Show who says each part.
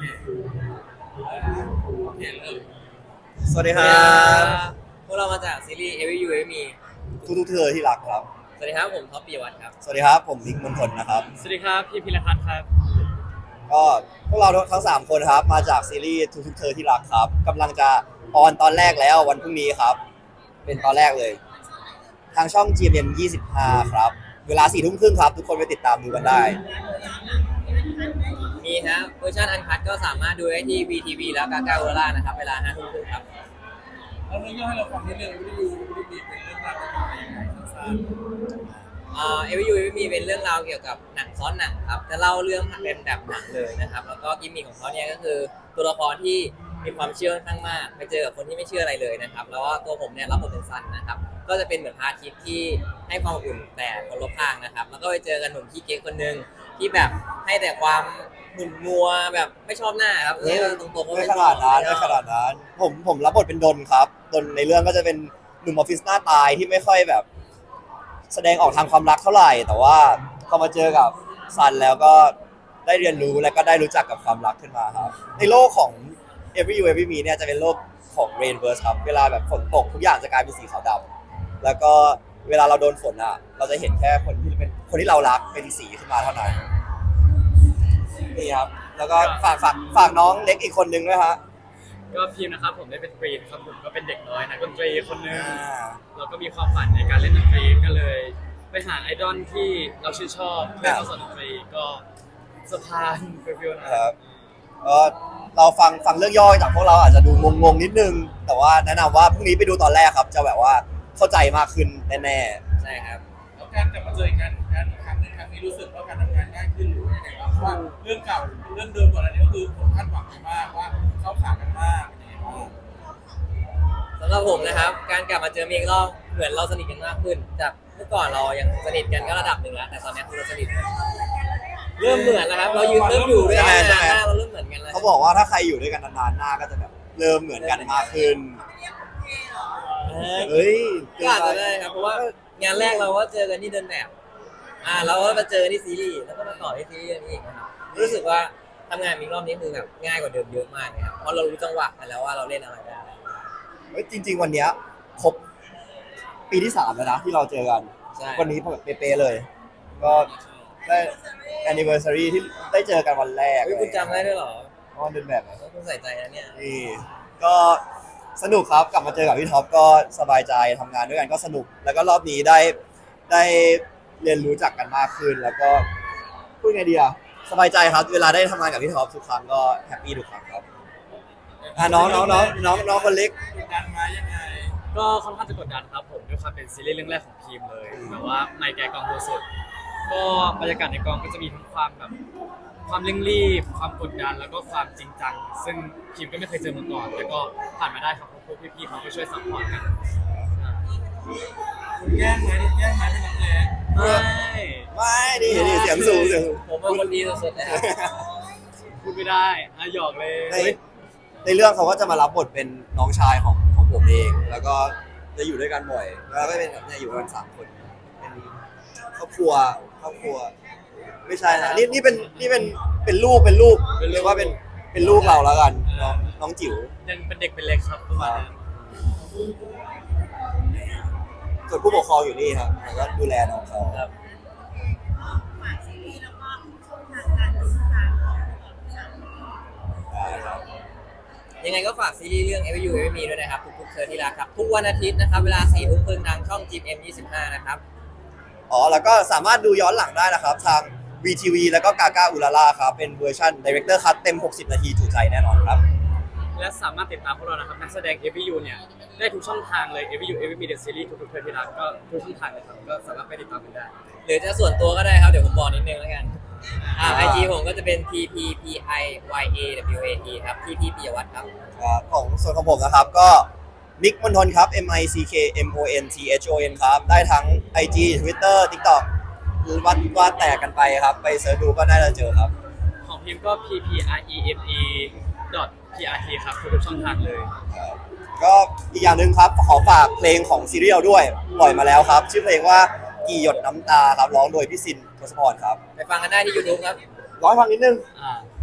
Speaker 1: โอเคเริ่ม
Speaker 2: สวัสดีครับ
Speaker 3: พวกเรามาจากซีรีส์ Every You Every Me
Speaker 2: ทุกเธอที่รักครับ
Speaker 3: สวัสดีครับผมท็อปปิยวัฒน์ครับ
Speaker 2: สวัสดีครับผมมิกมนทนนะครับ
Speaker 1: สวัสดีครับพี่พิรพัฒน์ครับ
Speaker 2: ก็พวกเราทั้ง3คนครับมาจากซีรีส์ทุกเธอที่รักครับกำลังจะออนตอนแรกแล้ววันพรุ่งนี้ครับเป็นตอนแรกเลยทางช่อง GMM 25ครับเวลา 4 ทุ่มครึ่งครับทุกคนไปติดตามดูกันได้
Speaker 3: มีครับเวอร์ชันอันคัทก็สามารถดูได้ที่ VTV แล้วกาก้าเวล่านะครับเวลา 5 ทุ่มครึ่งครับ
Speaker 1: แล้วเรื่องย่อให้เราฟังนิดนึงไม่ได้ดูเป็นเรื่องราวเป็นยังไงสั้น
Speaker 3: Every You Every Me เป็นเรื่องราวเกี่ยวกับหนังซ้อนหนังครับจะเล่าเรื่องเป็นแบบหนังเลยนะครับแล้วก็กิมมิคของเขาเนี่ยก็คือตัวละครที่มีความเชื่อค่อนข้างมากไปเจอกับคนที่ไม่เชื่ออะไรเลยนะครับแล้วก็ตัวผมเนี่ยรับบทเป็นซันนะครับก็จะเป็นเหมือนพระอาทิตย์ที่ให้ความอบอุ่นแต่คนรอบข้างนะครับแล้วก็ไปเจอกันหนุ่มขี้เก๊กคนนึงที่แบบให้แต่ความหมุนมัวแบบไม่ชอบหน้าครับตรงๆก็
Speaker 2: ไม่ขนาดนั้นผมรับบทเป็นดนครับดนในเรื่องก็จะเป็นหนุ่มออฟฟิศหน้าตายที่ไม่ค่อยแบบแสดงออกทางความรักเท่าไหร่แต่ว่าพอมาเจอกับซันแล้วก็ได้เรียนรู้และก็ได้รู้จักกับความรักขึ้นมาครับในโลกของ Every You Every Me เนี่ยจะเป็นโลกของ Rainverse ครับเวลาแบบฝนตกทุกอย่างจะกลายเป็นสีขาวดำแล้วก็เวลาเราโดนฝนอ่ะเราจะเห็นแค่คนที่เรารักเป็นสีขึ้นมาเท่านั้นนี่ครับแล้วก็ฝากน้องเล็กอีกคนนึงด้วยฮะ
Speaker 1: ก็พิมพ์นะครับผมได้เป็นกรีนครับผมก็เป็นเด็กน้อยนักดนตรีคนนึงเราก็มีความฝันในการเล่นดนตรีก็เลยไปหาไอดอลที่เราชื่นชอบเพื่อเข้าสอนดนตรีก็สะพานฟิวๆนะครับ
Speaker 2: ก็เราฟังเรื่องย่อจากพวกเราอาจจะดูงงนิดนึงแต่ว่าแนะนำว่าพรุ่งนี้ไปดูตอนแรกครับจะแบบว่าเข้าใจมากขึ้นแน่
Speaker 3: ๆใช่ครับ
Speaker 1: แล้วการกลับมาเจอกันครั้งนี้รู้สึกว่าการทำงานง่ายขึ้นหรือว่ายังไงบ้างเพราะว่าเรื่องเก่าเรื่องเดิมก่อนอันนี้ก็คือผมคาดหวังมากว่าเข้าขากันมากเป็นยังไงบ้าง
Speaker 3: สำหรับผมนะครับการกลับมาเจอมีอีกรอบเหมือนเราสนิทกันมากขึ้นจากเมื่อก่อนเรายังสนิทกันก็ระดับหนึ่งแล้วแต่ตอนนี้คือเราสนิทเริ่มเหมือนแล้วครับเราเริ่มอยู่ด้วยกันนานเราเริ่มเหมือนกันแล้ว
Speaker 2: เขาบอกว่าถ้าใครอยู่ด้วยกันนานๆหน้าก็จะแบบเริ่มเหมือนกันมากขึ้นเฮ้ย
Speaker 3: ก็อาจจะได้ครับเพราะว่างานแรกเราก็เจอกันที่เดินแบบเราก็มาเจอที่ซีรีส์แล้วก็มาต่อที่ซีรีส์นี้อีกนะครับรู้สึกว่าทำงานมีรอบนี้คือแบบง่ายกว่าเดิมเยอะมากเลยครับเพราะเรารู้จังหวะกันแล้วว่าเราเล่นอะไรได้
Speaker 2: จริงๆวันนี้ครบปีที่3แล้วนะที่เราเจอกันวันนี้เป๊ะๆเลยก็ได้ anniversary ที่ได้เจอกันวันแรก
Speaker 3: คุณจำได้ด้วยเหรอ
Speaker 2: วันเดินแบบ
Speaker 3: คุณใส่ใจนะเนี่ย
Speaker 2: นี่ก็สนุกครับกลับมาเจอกับพี่ท็อปก็สบายใจทำงานด้วยกันก็สนุกแล้วก็รอบนี้ได้เรียนรู้จักกันมากขึ้นแล้วก็พูดไงดีอะสบายใจครับเวลาได้ทำงานกับพี่ท็อปทุกครั้งก็แฮปปี้ทุกครั้งครับน้องคนเล็ก
Speaker 1: กดดันมายังไงก็ค่อนข้างจะกดดันครับผมด้วยความเป็นซีรีส์เรื่องแรกของทีมเลยแต่ว่าในแกกองโดยสุดก็บรรยากาศในกองก็จะมีทั้งความแบบความเร่งรีบความกดดันแล้วก็ความจริงจังซึ่งทีมก็ไม่เคยเจอมาก่อนแล้วก็ผ่านมาได้ครับพวกพี่ๆเขาก็ช่วยซัพพอร์ตกันแย่งไหมเป็นนักเลง
Speaker 2: ไม่ดิเสียงสูง
Speaker 3: ผมเป็นคนดีสุดๆเลย
Speaker 1: พูดไม่ได้หยอกเลย
Speaker 2: ในเรื่องเขาก็จะมารับบทเป็นน้องชายของผมเองแล้วก็จะอยู่ด้วยกันบ่อยแล้วก็เป็นแบบเนี่ยอยู่กัน3 คนเป็นครอบครัวไม่ใช่นะนี่เป็นลูกเรียกว่าเป็นลูกเราแล้วกันน้องจิ๋ว
Speaker 1: ยังเป็นเด็กเป็นเล็กครับประมาณนั้น
Speaker 2: ส่วนผู้ปกครองอยู่นี่ครับแล้วก็ดูแลน้องเขา
Speaker 3: ครับ
Speaker 4: ฝากซีรีส์แล้วก็ช่องทางการติดตามของ
Speaker 3: ยังไงก็ฝากซีรีส์เรื่อง Every You Every Me ด้วยนะครับทุกๆเธอที่รักครับทุกวันอาทิตย์นะครับเวลา 4 ทุ่มครึ่งทางช่อง GMM 25นะครับ
Speaker 2: แล้วก็สามารถดูย้อนหลังได้นะครับทาง VTV แล้วก็กาก้าอุลาล่าครับเป็นเวอร์ชัน Director Cut เต็ม60 นาทีถูกใจแน่นอนครับ
Speaker 1: และสามารถติดตามพวกเรานะครับนักแสดง Every You เนี่ยได้ทุกช่องทางเลย Every You Every Me The Series ทุกๆเธอที่รักก็ทุกช่องทางเลยครับก็สามารถไปติดตามกันได้
Speaker 3: หรือจะส่วนตัวก็ได้ครับเดี๋ยวผมบอกนิดนึงแล้วกันIG ผมก็จะเป็น TPPIYAWAT ครับ TP ปิยวัฒน์ครับ
Speaker 2: ของส่วนของผมนะครับก็มิกมนทนครับ MICKMONTHON ครับได้ทั้ง IG Twitter TikTok ว่าแตกกันไปครับไปเสิร์ชดูก็ได้เจอครับ
Speaker 1: ของพิมพ์ก็ PPREME.PRT ครับทุกช่องทางเลย
Speaker 2: ก็อีกอย่างหนึ่งครับขอฝากเพลงของซีรีส์เราด้วยปล่อยมาแล้วครับชื่อเพลงว่ากี่หยดน้ำตาครับร้องโดยพี่ซินทศพรครับ
Speaker 3: ไปฟังกันได้ที่ YouTube ครับ
Speaker 2: ร้องฟังนิดนึง